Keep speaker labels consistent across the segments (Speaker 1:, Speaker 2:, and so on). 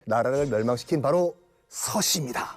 Speaker 1: 나라를 멸망시킨 바로 서씨입니다.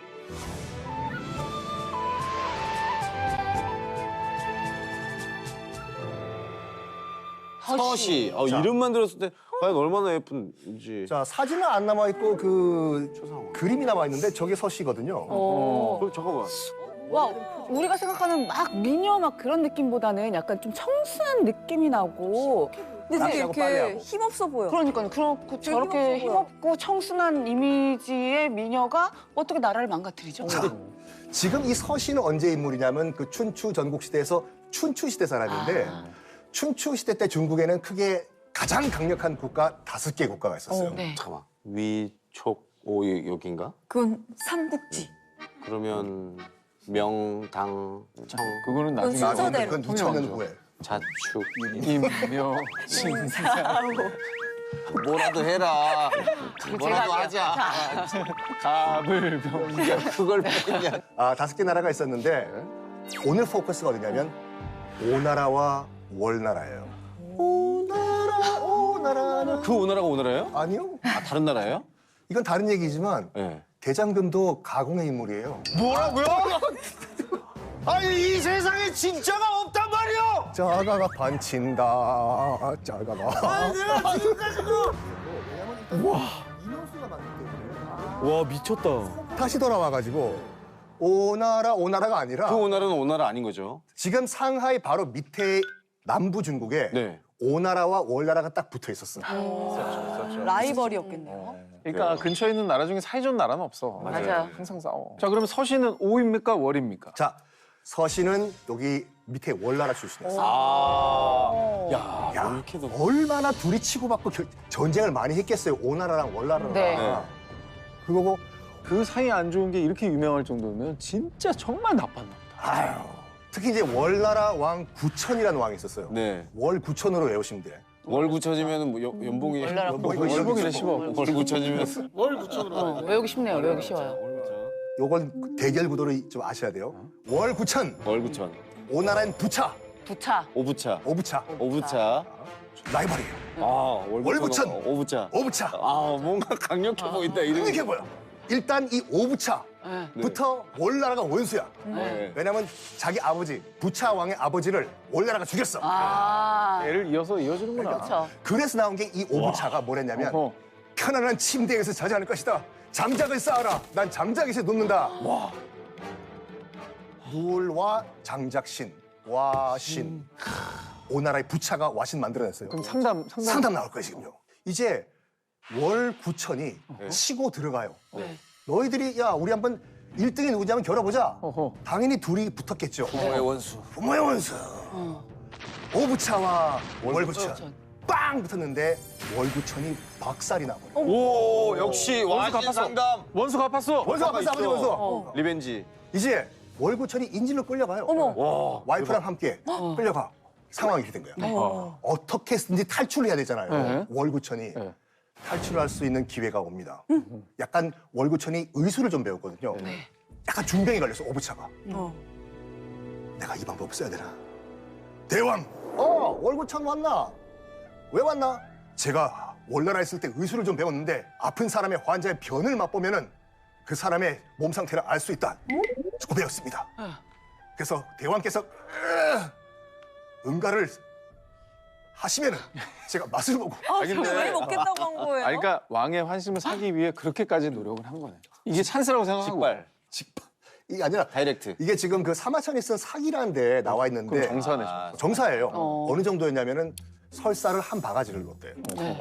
Speaker 2: 서씨. 이름만 들었을 때 과연 얼마나 예쁜지.
Speaker 1: 자, 사진은 안 남아있고 그림이 남아있는데 저게 서씨거든요.
Speaker 2: 잠깐만.
Speaker 3: 와, 우리가 생각하는 막 미녀 막 그런 느낌보다는 약간 좀 청순한 느낌이 나고.
Speaker 4: 근데 되게
Speaker 1: 낚시하고
Speaker 4: 이렇게
Speaker 1: 빨래하고.
Speaker 4: 힘없어 보여.
Speaker 3: 그러니까요. 그렇고 저렇게
Speaker 4: 힘없어 보여.
Speaker 3: 힘없고 청순한 이미지의 미녀가 어떻게 나라를 망가뜨리죠?
Speaker 1: 자, 지금 이 서씨는 언제 인물이냐면 그 춘추 전국시대에서 춘추시대 사람인데 춘추시대 때 중국에는 크게 가장 강력한 국가 5개 국가가 있었어요.
Speaker 3: 네.
Speaker 2: 잠깐만. 위촉 오 여긴가?
Speaker 4: 그건 삼국지.
Speaker 2: 그러면 명, 당, 청,
Speaker 5: 그거는 나중에
Speaker 4: 그건 순서대로.
Speaker 1: 그건 2000년 후에.
Speaker 2: 자축.
Speaker 5: 임묘 신사
Speaker 2: 뭐라도 해라. 뭐라도
Speaker 3: 할게요.
Speaker 2: 하자.
Speaker 5: 가불병
Speaker 2: 그걸 뺐냐.
Speaker 1: 5개 나라가 있었는데 오늘 포커스가 어디냐면 오나라와 월나라예요. 오나라.
Speaker 2: 그 오나라가 오나라예요?
Speaker 1: 아니요.
Speaker 2: 다른 나라예요?
Speaker 1: 이건 다른 얘기지만
Speaker 2: 네.
Speaker 1: 대장금도 가공의 인물이에요.
Speaker 2: 뭐라고요? 아니 이 세상에 진짜가 없단 말이야.
Speaker 1: 자가가 반친다. 자가가.
Speaker 2: 내가 지금까지도. 와 미쳤다.
Speaker 1: 다시 돌아와가지고 오나라가 아니라
Speaker 2: 그 오나라는 오나라 아닌 거죠?
Speaker 1: 지금 상하이 바로 밑에 남부 중국에
Speaker 2: 네.
Speaker 1: 오나라와 월나라가 딱 붙어 있었어요.
Speaker 4: 라이벌이었겠네요.
Speaker 5: 그러니까 근처에 있는 나라 중에 사이좋은 나라는 없어.
Speaker 3: 맞아요.
Speaker 5: 항상 싸워. 자, 그러면 서씨는 오입니까 월입니까?
Speaker 1: 자, 서씨는 여기 밑에 월나라 출신이었어요.
Speaker 2: 야,
Speaker 1: 야,
Speaker 2: 이렇게도.
Speaker 1: 얼마나 둘이 치고받고 전쟁을 많이 했겠어요. 오나라랑 월나라랑.
Speaker 3: 네.
Speaker 1: 그거고
Speaker 5: 그 사이 안 좋은 게 이렇게 유명할 정도면 진짜 정말 나빴나 보다.
Speaker 1: 아유, 특히 이제 월나라 왕 구천이라는 왕이 있었어요.
Speaker 2: 네.
Speaker 1: 월 구천으로 외우시면 돼.
Speaker 2: 월 9천이면 뭐 연봉이
Speaker 3: 월나라
Speaker 5: 월북이네 10억.
Speaker 2: 월 9천이면 월 9천으로.
Speaker 3: 외우기 쉽네요. 외우기 쉬워요.
Speaker 1: 요건 대결 구도를 좀 아셔야 돼요. 월 구천,
Speaker 2: 월 9천.
Speaker 1: 오나라는 부차,
Speaker 3: 부차.
Speaker 2: 오부차.
Speaker 1: 오부차.
Speaker 2: 오부차.
Speaker 1: 라이벌이에요.
Speaker 2: 아,
Speaker 1: 월 9천.
Speaker 2: 오부차.
Speaker 1: 오부차.
Speaker 2: 아, 뭔가 강력해 보인다 이름이.
Speaker 1: 이렇게 보여. 일단 이 오부차부터 월나라가 원수야.
Speaker 2: 네.
Speaker 1: 왜냐면 자기 아버지, 부차 왕의 아버지를 월나라가 죽였어.
Speaker 5: 애를 이어서 이어지는구나.
Speaker 3: 그렇죠.
Speaker 1: 그래서 나온 게 이 오부차가 뭐랬냐면
Speaker 5: 어허.
Speaker 1: 편안한 침대에서 자지 않을 것이다. 장작을 쌓아라. 난 장작에서 놓는다. 누울와 장작신, 와신. 오나라의 부차가 와신 만들어냈어요.
Speaker 5: 그럼 상담.
Speaker 1: 상담 나올 거예요, 지금요. 이제 월 9천이 치고 들어가요. 너희들이 야 우리 한번 1등이 누구지 한번 겨뤄보자.
Speaker 5: 어허.
Speaker 1: 당연히 둘이 붙었겠죠.
Speaker 2: 부모의 원수.
Speaker 1: 부모의 원수. 오부차와 월구천 빵 붙었는데 월구천이 박살이 나버려.
Speaker 2: 오, 역시 와신
Speaker 5: 갚았어.
Speaker 2: 상담.
Speaker 5: 원수 갚았어.
Speaker 1: 원수 아버지 아버지 원수.
Speaker 2: 리벤지.
Speaker 1: 이제 월구천이 인질로 끌려가요.
Speaker 2: 와.
Speaker 1: 와이프랑 함께 끌려가. 상황이 이렇게 된 거야. 어떻게든지 탈출을 해야 되잖아요.
Speaker 5: 네.
Speaker 1: 월구천이.
Speaker 5: 네.
Speaker 1: 탈출할 수 있는 기회가 옵니다. 약간 월구천이 의술을 좀 배웠거든요. 약간 중병이 걸려서 오부차가. 내가 이 방법을 써야 되나? 대왕! 월구천 왔나? 왜 왔나? 제가 월나라에 있을 때 의술을 좀 배웠는데 아픈 사람의 환자의 변을 맛보면은 그 사람의 몸 상태를 알 수 있다. 조금 배웠습니다. 그래서 대왕께서 응가를 하시면은 제가 맛을 보고
Speaker 4: 왜 먹겠다고 한 거예요?
Speaker 5: 아니, 그러니까 왕의 환심을 사기 위해 그렇게까지 노력을 한 거네. 이게 찬스라고 생각하고.
Speaker 2: 직발.
Speaker 1: 이게 아니라
Speaker 2: 다이렉트.
Speaker 1: 이게 지금 그 사마천이 쓴 사기라는 데 나와 있는데
Speaker 5: 그럼 정사네.
Speaker 1: 정사예요. 어느 정도였냐면은 설사를 한 바가지를 넣었대요.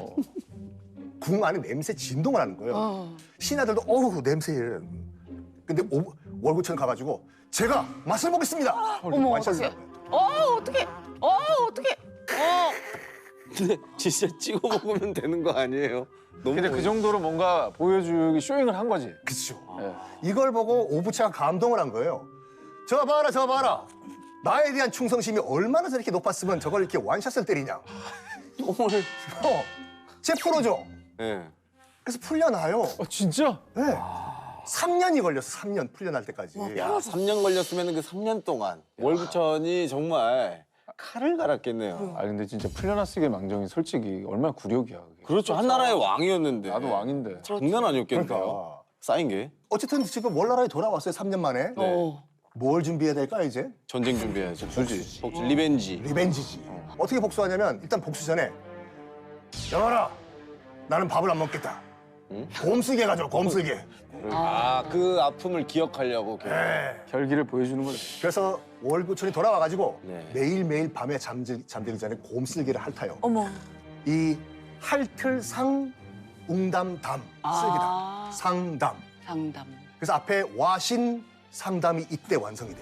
Speaker 1: 궁 안에 냄새 진동을 하는 거예요. 신하들도 어우 냄새. 근데 월구천 가가지고 제가 맛을 보겠습니다.
Speaker 3: 어머,
Speaker 1: 완샷을
Speaker 3: 어떡해.
Speaker 1: 한 거예요.
Speaker 3: 어떻게? 어떻게?
Speaker 2: 근데 진짜 찍어 먹으면 되는 거 아니에요? 너무
Speaker 5: 근데 그 정도로 뭔가 보여주기 쇼잉을 한 거지.
Speaker 1: 그렇죠.
Speaker 5: 네.
Speaker 1: 이걸 보고 오부차가 감동을 한 거예요. 저 봐라, 저 봐라. 나에 대한 충성심이 얼마나 저렇게 높았으면 저걸 이렇게 완샷을 때리냐.
Speaker 2: 똥을.
Speaker 1: 쟤 풀어줘.
Speaker 2: 예.
Speaker 1: 그래서 풀려나요.
Speaker 5: 진짜?
Speaker 1: 네. 3년이 걸렸어, 3년 풀려날 때까지.
Speaker 2: 야, 3년 걸렸으면 그 3년 동안 월구천이 정말 칼을 갈았겠네요.
Speaker 5: 아 근데 진짜 풀려났으게 망정이 솔직히 얼마나 굴욕이야 그게.
Speaker 2: 그렇죠. 한 나라의 왕이었는데.
Speaker 5: 나도 왕인데.
Speaker 2: 장난 아니었겠네요.
Speaker 1: 그러니까.
Speaker 2: 쌓인 게.
Speaker 1: 어쨌든 지금 월나라에 돌아왔어요. 3년 만에. 뭘 준비해야 될까 이제?
Speaker 2: 전쟁 준비해야죠.
Speaker 5: 복수지.
Speaker 2: 복수, 리벤지.
Speaker 1: 리벤지지. 어떻게 복수하냐면 일단 복수 전에 여봐라. 나는 밥을 안 먹겠다.
Speaker 2: 응?
Speaker 1: 곰쓰게 가져. 곰쓰게.
Speaker 2: 아, 그 아픔을 기억하려고.
Speaker 1: 네.
Speaker 5: 결기를 보여주는 거죠.
Speaker 1: 그래서 월구촌이 돌아와가지고
Speaker 2: 네.
Speaker 1: 매일매일 밤에 잠들기 전에 곰쓸기를 핥아요.
Speaker 4: 어머.
Speaker 1: 이 핥을상 웅담담 쓸기다. 상담.
Speaker 3: 상담.
Speaker 1: 그래서 앞에 와신 상담이 이때 완성이 돼.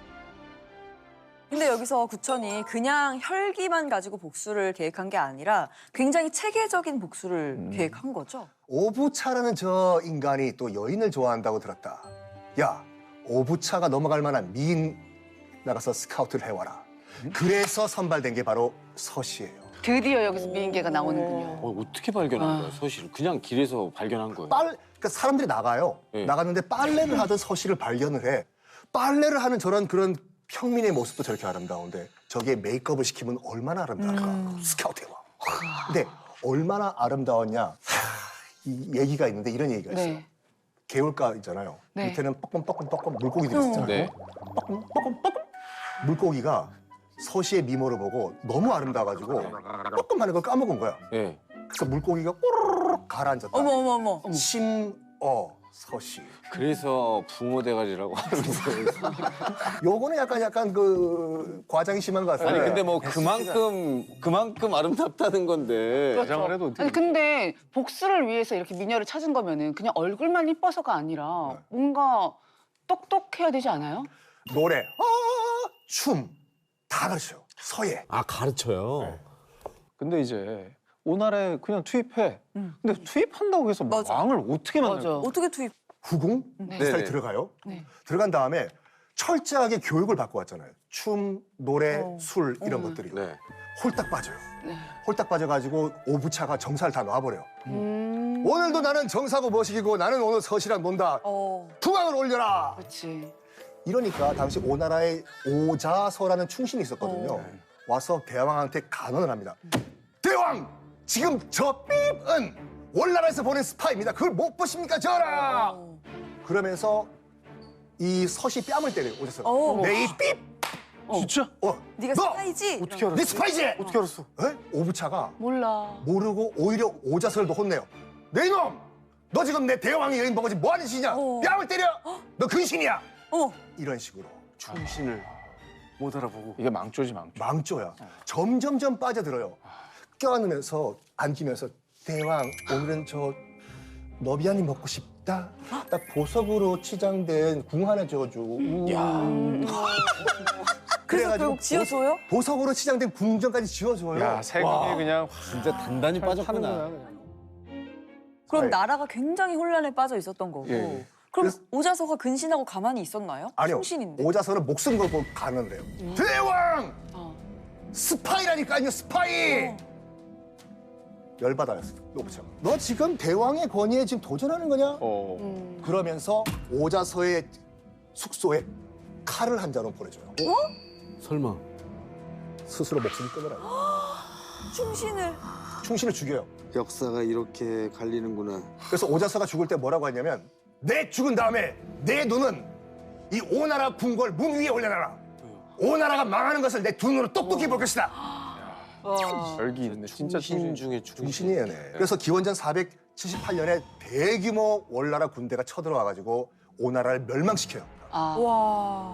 Speaker 4: 근데 여기서 구천이 그냥 혈기만 가지고 복수를 계획한 게 아니라 굉장히 체계적인 복수를 계획한 거죠.
Speaker 1: 오부차라는 저 인간이 또 여인을 좋아한다고 들었다. 야, 오부차가 넘어갈 만한 미인 나가서 스카우트를 해와라. 그래서 선발된 게 바로 서씨예요.
Speaker 3: 드디어 여기서 미인계가 나오는군요.
Speaker 2: 어떻게 발견한 거예요, 서씨를? 그냥 길에서 발견한 거예요.
Speaker 1: 그러니까 사람들이 나가요.
Speaker 2: 네.
Speaker 1: 나갔는데 빨래를 하던 서씨를 발견을 해. 빨래를 하는 저런 그런 평민의 모습도 저렇게 아름다운데 저기에 메이크업을 시키면 얼마나 아름다울까. 스카우트 해와. 근데 얼마나 아름다웠냐. 이 얘기가 있는데 이런 얘기가 있어요.
Speaker 3: 네.
Speaker 1: 개울가 있잖아요.
Speaker 3: 네.
Speaker 1: 밑에는 뻐끔뻐끔뻐끔 물고기들이 있잖아요.
Speaker 2: 네.
Speaker 1: 뻐끔뻐끔 물고기가 서시의 미모를 보고 너무 아름다워가지고 뻐끔 하는 걸 까먹은 거야.
Speaker 2: 네.
Speaker 1: 그래서 물고기가 꼬르륵 가라앉았다.
Speaker 4: 어머 어머 어머.
Speaker 1: 심어 서시.
Speaker 2: 그래서 붕어 대가리라고 하면서.
Speaker 1: 요거는 약간 그 과장이 심한 것 같아요.
Speaker 2: 아니, 근데 뭐 그만큼 아름답다는 건데.
Speaker 5: 가장을 해도 어떻게.
Speaker 3: 아니 근데 복수를 위해서 이렇게 미녀를 찾은 거면은 그냥 얼굴만 이뻐서가 아니라 뭔가 똑똑해야 되지 않아요?
Speaker 1: 노래, 춤 다 가르쳐요. 서예.
Speaker 2: 아, 가르쳐요?
Speaker 1: 네.
Speaker 5: 근데 이제 오나라에 그냥 투입해. 근데 투입한다고 해서
Speaker 4: 맞아.
Speaker 5: 왕을 어떻게 만들까?
Speaker 3: 맞아.
Speaker 4: 어떻게 투입?
Speaker 1: 후궁 스타일
Speaker 2: 네네.
Speaker 1: 들어가요.
Speaker 3: 네.
Speaker 1: 들어간 다음에 철저하게 교육을 받고 왔잖아요. 춤, 노래,
Speaker 4: 어.
Speaker 1: 술 이런 것들이
Speaker 2: 네.
Speaker 1: 홀딱 빠져요.
Speaker 3: 네.
Speaker 1: 홀딱 빠져가지고 오부차가 정사를 다 놔버려요.
Speaker 3: 음.
Speaker 1: 오늘도 나는 정사고 머시기고 나는 오늘 서시랑 논다.
Speaker 4: 어.
Speaker 1: 풍악을 올려라.
Speaker 3: 그렇지.
Speaker 1: 이러니까 당시 오나라에 오자서라는 충신이 있었거든요. 와서 대왕한테 간언을 합니다. 대왕! 지금 저 삐입은 월나라에서 보낸 스파입니다. 그걸 못 보십니까, 전하!
Speaker 4: 어.
Speaker 1: 그러면서 이 서시 뺨을 때려요, 오자서.
Speaker 4: 어.
Speaker 1: 내 이 삐입!
Speaker 5: 진짜?
Speaker 4: 네가
Speaker 1: 너!
Speaker 4: 스파이지?
Speaker 5: 어떻게 알았어?
Speaker 1: 네 스파이지!
Speaker 5: 어떻게 알았어?
Speaker 1: 에? 오부차가
Speaker 3: 몰라.
Speaker 1: 모르고 오히려 오자서를 더 혼내요. 내 이놈! 너 지금 내 대왕의 여인 보고 지금 뭐 하는 짓이냐?
Speaker 4: 어.
Speaker 1: 뺨을 때려! 너 근신이야!
Speaker 4: 어.
Speaker 1: 이런 식으로.
Speaker 2: 충신을 못 알아보고.
Speaker 5: 이게 망조지 망조.
Speaker 1: 망조야. 점점점 빠져들어요. 껴안으면서 안기면서 대왕 오늘은 저 너비아니 먹고 싶다. 딱 보석으로 치장된 궁 하나 줘줘.
Speaker 2: 야.
Speaker 4: 그래서 결국 지어줘요?
Speaker 1: 보석으로 치장된 궁전까지 지어줘요.
Speaker 5: 야 세금이 그냥
Speaker 2: 진짜 단단히
Speaker 5: 하는 거야
Speaker 2: 빠졌구나.
Speaker 5: 그냥.
Speaker 4: 그럼
Speaker 1: 네.
Speaker 4: 나라가 굉장히 혼란에 빠져 있었던 거고.
Speaker 5: 예, 예.
Speaker 4: 그럼
Speaker 1: 그래서-
Speaker 4: 오자서가 근신하고 가만히 있었나요?
Speaker 1: 아니요.
Speaker 4: 충신인데.
Speaker 1: 오자서는 목숨 걸고 가는 데요. 대왕!
Speaker 3: 어.
Speaker 1: 스파이라니까요, 스파이!
Speaker 4: 어.
Speaker 1: 열받아요, 오부차가. 너 지금 대왕의 권위에 지금 도전하는 거냐?
Speaker 5: 어.
Speaker 1: 그러면서 오자서의 숙소에 칼을 한 자루 보내줘요.
Speaker 2: 설마.
Speaker 1: 스스로 목숨을 끊으라고.
Speaker 4: 충신을.
Speaker 1: 충신을 죽여요.
Speaker 2: 역사가 이렇게 갈리는구나.
Speaker 1: 그래서 오자서가 죽을 때 뭐라고 했냐면 내 죽은 다음에 내 눈은 이 오나라 궁궐 문 위에 올려놔라. 오나라가 망하는 것을 내 두 눈으로 똑똑히 볼 것이다.
Speaker 5: 열기 있네. 진짜
Speaker 2: 충신 중에
Speaker 1: 중신이에요. 네. 그래서 기원전 478년에 대규모 월나라 군대가 쳐들어와가지고 오나라를 멸망시켜요.
Speaker 3: 아.
Speaker 4: 와.